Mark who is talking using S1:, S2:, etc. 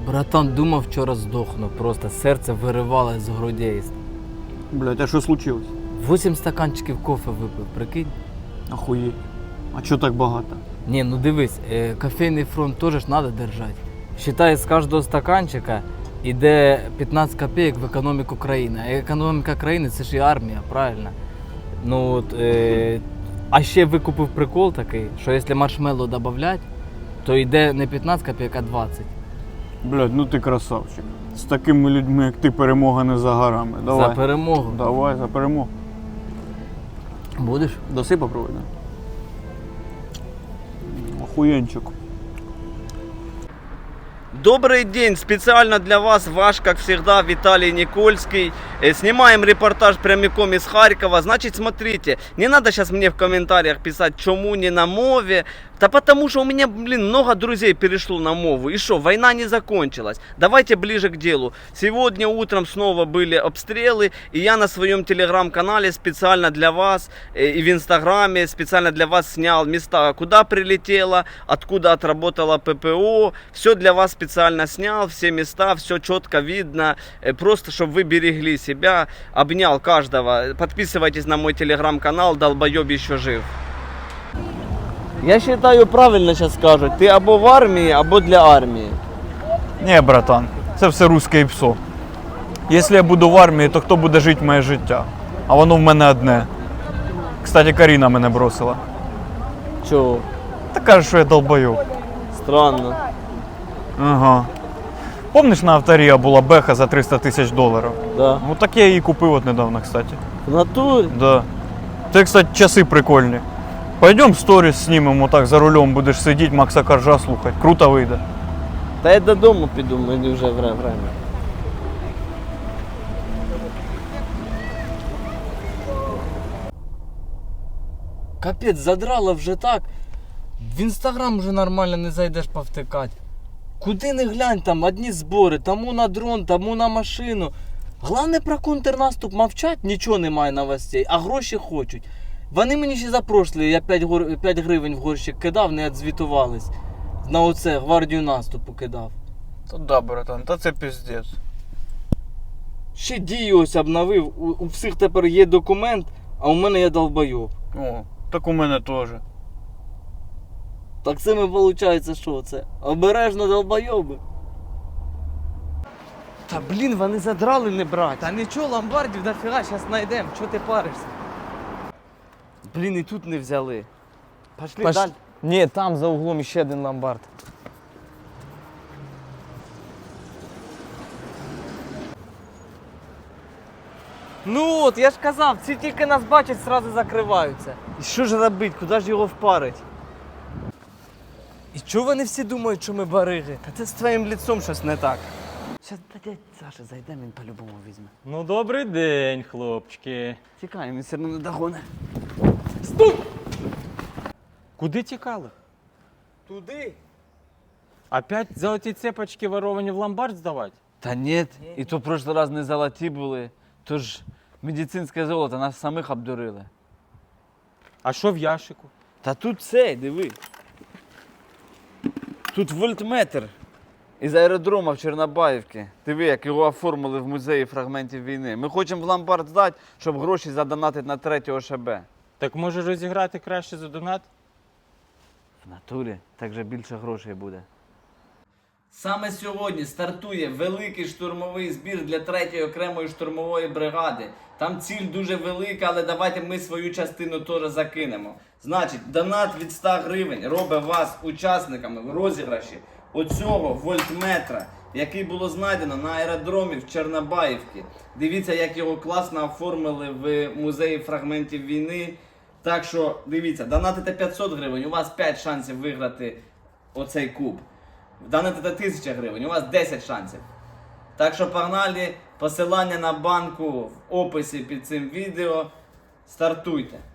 S1: Братан, думав, вчора здохну, просто серце виривалось з грудей.
S2: Блядь, а що случилось?
S1: 8 стаканчиків кофе випив, прикинь?
S2: Охуєть. А чого так багато?
S1: Ні, ну дивись, кофейний фронт теж ж треба держати. Считай, з кожного стаканчика йде 15 копійок в економіку країни. А економіка країни це ж і армія, правильно? Ну от, а ще викупив прикол такий, що якщо маршмеллоу додати, то йде не 15 копійок, а 20.
S2: Блядь, ну ти красавчик. З такими людьми, як ти, перемога не за горами. Давай.
S1: За перемогу.
S2: Давай, за перемогу.
S1: Будеш?
S2: Доси попробуй, да? Охуенчик.
S3: Добрый день! Специально для вас ваш, как всегда, Виталий Никольский. Снимаем репортаж прямиком из Харькова. Значит, смотрите, не надо сейчас мне в комментариях писать, чему не на мове. Да потому что у меня, много друзей перешло на мову. И что, война не закончилась. Давайте ближе к делу. Сегодня утром снова были обстрелы. И я на своем телеграм-канале специально для вас и в инстаграме специально для вас снял места, куда прилетело, откуда отработала ППО. Все для вас специально снял, все места, все четко видно. Просто, чтобы вы берегли себя. Обнял каждого. Подписывайтесь на мой телеграм-канал, долбоеб еще жив. Я считаю, правильно сейчас скажут. Ты або в армии, або для армии.
S2: Ні, братан, це все русське псо. Якщо я буду в армії, то хто буде жити моє життя? А воно в мене одне. Кстати, Каріна мене бросила.
S3: Чего?
S2: Та каже, що я долбойоб.
S3: Странно.
S2: Ага. Помниш, на авторія була беха за $300 000?
S3: Да.
S2: Ну так я її купив от недавно, кстати.
S3: В натуре?
S2: Да. Ти, кстати, часи прикольні. Пойдем сторіс знімемо, так за рулем будеш сидіти, Макса Коржа слухати. Круто вийде.
S3: Та я додому піду, мені вже время.
S1: Капець, задрало вже так. В інстаграм вже нормально не зайдеш повтикати. Куди не глянь, там одні збори, тому на дрон, тому на машину. Головне про контрнаступ мовчать, нічого немає новостей, а гроші хочуть. Вони мені ще за прошлі, я 5 гривень в горщик кидав, не відзвітувались. На оце гвардію наступу кидав.
S2: Та да, братан, та це піздець.
S1: Ще дію ось обновив, у всіх тепер є документ, а у мене є долбойоб.
S2: О, так у мене теж.
S1: Так це ми, виходить, що це? Обережно долбойоби. Та блін, вони задрали не брать. Та нічого, ломбардів дофіга, зараз знайдемо. Чого ти паришся? Блін, і тут не взяли. Пошли далі. Ні, там за углом ще один ломбард. Ну от, я ж казав, ці тільки нас бачать, одразу закриваються. І що ж робити, куди ж його впарить? І чого вони всі думають, що ми бариги? Та це з твоїм лицом щось не так. Зараз до дядь Саші зайдемо, він по-любому візьме.
S4: Ну, добрий день, хлопчики.
S1: Тікаємо, він все одно не догоне.
S4: Куди тікали?
S1: Туди?
S4: Опять золоті цепочки воровані в ломбард здавати?
S1: Та ні, і то в прошлий раз не золоті були. Тож медицинське золото, нас самих обдурили.
S4: А що в ящику?
S1: Та тут цей, диви. Тут вольтметр із аеродрому в Чорнобаївці. Диви, як його оформили в музеї фрагментів війни. Ми хочемо в ломбард здати, щоб гроші задонатити на 3 ОШБ.
S4: Так може розіграти краще за донат?
S1: В натурі, так же більше грошей буде. Саме сьогодні стартує великий штурмовий збір для 3-ї окремої штурмової бригади. Там ціль дуже велика, але давайте ми свою частину теж закинемо. Значить, донат від 100 гривень робить вас учасниками в розіграші оцього вольтметра, який було знайдено на аеродромі в Чорнобаївці. Дивіться, як його класно оформили в музеї фрагментів війни. Так що, дивіться, донатите 500 гривень, у вас 5 шансів виграти оцей куб. Донатите 1000 гривень, у вас 10 шансів. Так що погнали, посилання на банку в описі під цим відео. Стартуйте.